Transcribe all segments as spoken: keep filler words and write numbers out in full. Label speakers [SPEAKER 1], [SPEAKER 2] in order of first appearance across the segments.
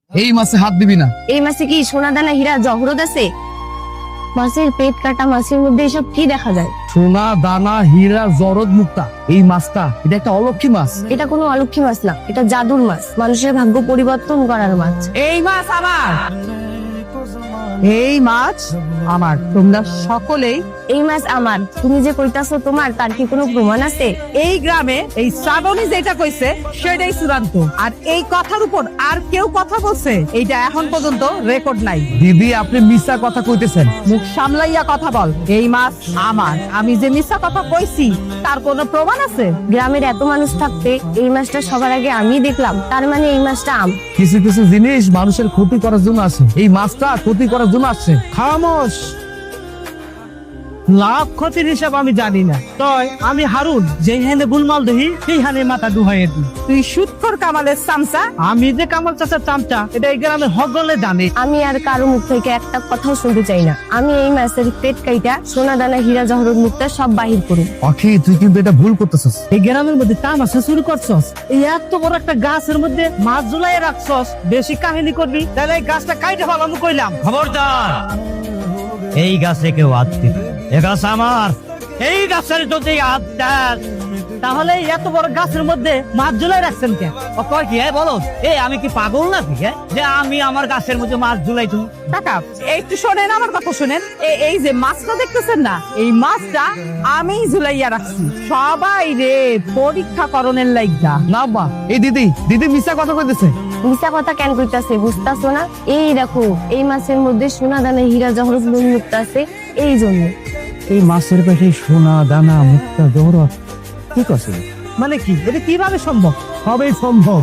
[SPEAKER 1] এই মাছে হাত দিবি না।
[SPEAKER 2] এই মাছে কি সোনা দানা হীরা জহরত আছে? মাছের পেট কাটা, মাছের মধ্যে এসব কি দেখা যায়?
[SPEAKER 1] সোনা দানা হীরা জরদ মুক্তা। এই মাছটা এটা একটা অলক্ষী মাছ।
[SPEAKER 2] এটা কোনো অলক্ষী মাছ না, এটা জাদুর মাছ, মানুষের ভাগ্য পরিবর্তন করার মাছ।
[SPEAKER 3] এই মাছ আমার, এই মাছ আমার। তোমরা সকলেই
[SPEAKER 2] এই মাছ আমার, তুমি যে কইতাছো তোমার, তার কি কোনো প্রমাণ আছে?
[SPEAKER 3] এই গ্রামে এই শ্রাবণী যেটা কইছে সেটাই চূড়ান্ত, আর এই কথার উপর আর কেউ কথা বলছে এইটা এখন পর্যন্ত রেকর্ড নাই।
[SPEAKER 1] দিদি আপনি মিথ্যা কথা কইতেছেন।
[SPEAKER 3] মুখ সামলাইয়া কথা বল। এই মাছ আমার, আমি যে মিথ্যা কথা কইছি তার কোনো প্রমাণ আছে?
[SPEAKER 2] গ্রামের এত মানুষ থাকতে এই মাছটা সবার আগে আমি দেখলাম, তার মানে এই মাছটা আম।
[SPEAKER 1] কিছু কিছু জিনিস মানুষের ক্ষতি করার জন্য আসে, এই মাছটা ক্ষতি করার জন্য আসছে।
[SPEAKER 4] খামোশ। লাভ ক্ষতির হিসাব আমি জানি না, তয় আমি হারুন যেখানে বুলমাল দেখি সেইখানে মাথা ডুহাইয়ে দিই।
[SPEAKER 3] তুই সুৎখর কামালের চামচা।
[SPEAKER 4] আমি যে কামাল চাচার চামচা এটা এই গ্রামে হগলে জানে।
[SPEAKER 2] আমি আর কারো মুখ থেকে একটা কথাও শুনতে চাই না। আমি এই মাছের পেট কাইটা সোনা দানা হীরা জহরত মুক্তা সব বাহির করুন।
[SPEAKER 1] অখি তুই কিন্তু এটা ভুল করতেছিস।
[SPEAKER 4] এই গ্রামের মধ্যে তামাশা শুরু করছস, এই এত বড় একটা গাছের মধ্যে মাছ ঝুলাই রাখছস, বেশি কাহিনী করবি তাহলে এই গাছটা কাইটে ফেলাম কইলাম।
[SPEAKER 5] খবরদার, এই গাছে কেউ হাত দিবে, এ গাছ আমার। এই গাছের যদি হাত দেন
[SPEAKER 4] তাহলে এই এত বড় গাছের মধ্যে মাছ ঝুলাই রাখছেন কেন?
[SPEAKER 5] ও কয় কি হ্যাঁ বলো, এই আমি কি পাগল নাকি হ্যাঁ যে আমি আমার গাছের মধ্যে মাছ ঝুলাই তুমি?
[SPEAKER 3] কাকা একটু শোনেন, আমার কথা শোনেন। এ- এই যে মাছটা দেখতেছেন না, এই মাছটা আমি ঝুলাইয়া রাখছি সবাই রে পরীক্ষা করণের লাইগা।
[SPEAKER 1] না বা এই দিদি দিদি মিথ্যা কথা কইতেছে।
[SPEAKER 2] মিশা কথা কেন কইতাছে বুঝতাছো না? এই দেখো, এই মাছের মধ্যে সোনা দানা হীরা জহরত মুক্তা আছে, এই জন্য।
[SPEAKER 5] এই মাছের পেটে সোনা দানা মুক্তা জহরত ঠিক আছে?
[SPEAKER 4] মানে কি, এটা কিভাবে সম্ভব?
[SPEAKER 6] সবই সম্ভব।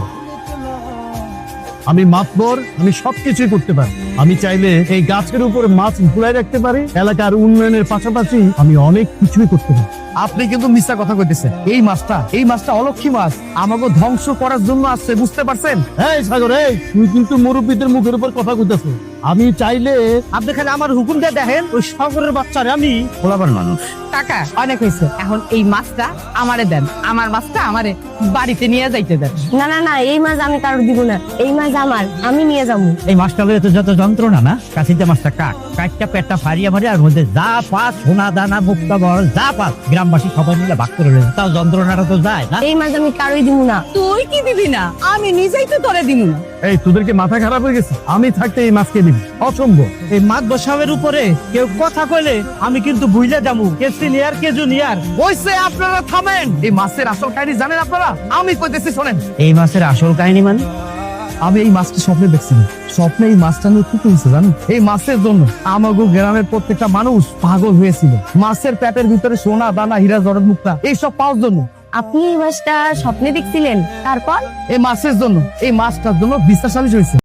[SPEAKER 6] আমি মাতবর, আমি সবকিছুই করতে পারি। আমি চাইলে এই গাছের উপরে মাছ ঝুলাই রাখতে পারি, এলাকার উন্নয়নের পাশাপাশি আমি অনেক কিছুই করতে পারি।
[SPEAKER 1] আপনি কিন্তু মিথ্যা কথা কইতেছেন। এই মাছটা এই মাছটা অলক্ষী মাছ, আমাকে ধ্বংস করার জন্য আসছে, বুঝতে পারছেন?
[SPEAKER 6] এই সাগর, এই তুই কিন্তু মুরব্বীদের মুখের উপর কথা কইতেছিস। আমি চাইলে
[SPEAKER 4] আপনি খালি আমার হুকুম দিয়ে দেখেন, ওই সাগরের বাচ্চারে আমি
[SPEAKER 5] খোলাবার মানুষ।
[SPEAKER 3] কাকা অনেক হয়েছে, এখন এই মাছটা আমারে দেন, আমার মাছটা আমারে বাড়িতে নিয়ে যাইতে দেন।
[SPEAKER 2] না না না, এই মাছ আমি কারোর দিব না, এই মাছ আমার, আমি নিয়ে যাবো।
[SPEAKER 5] এই মাছটা লইতে তো যত যন্ত্রণা না, কাশিতে মাছটা কাট কাটটা পেটটা ফারিয়া মারি, আর মধ্যে যা পাস সোনা দানা মুক্তা বল যা পাস গ্রামবাসী সবাই মিলে ভাগ করে রয়েছে, তাও যন্ত্রণাটা তো যায় না।
[SPEAKER 2] এই মাছ আমি কারোই দিব না।
[SPEAKER 3] তুই কি দিবি না? আমি নিজেই তো তোরে দিব না।
[SPEAKER 6] এই তোদেরকে মাথা খারাপ হয়ে গেছে? আমি থাকতে এই মাছকে দিবি? অসম্ভব।
[SPEAKER 4] এই মাছ বসাবের উপরে কেউ কথা কইলে আমি কিন্তু ভুইলে যাবো, কে সিনিয়র কে জুনিয়র।
[SPEAKER 1] কইছে আপনারা থামেন। এই মাছের আসল কাহিনী জানেন আপনারা? আমি কইতেছি শোনেন।
[SPEAKER 5] এই মাছের আসল কাহিনী মানে
[SPEAKER 1] আমি এই মাছটা স্বপ্নে দেখছিলাম। স্বপ্নে এই মাছটা নিয়ে কি করেছে জানেন? এই মাছের জন্য আমাগো গ্রামের প্রত্যেকটা মানুষ পাগল হয়েছিল। মাছের পেটের ভিতরে সোনা দানা হীরা জহরত মুক্তা এইসব পাওয়ার জন্য।
[SPEAKER 2] আপনি এই মাছটা স্বপ্নে দেখছিলেন, তারপর?
[SPEAKER 1] এই মাছের জন্য, এই মাছটার জন্য বিশ্বাস হয়েছে।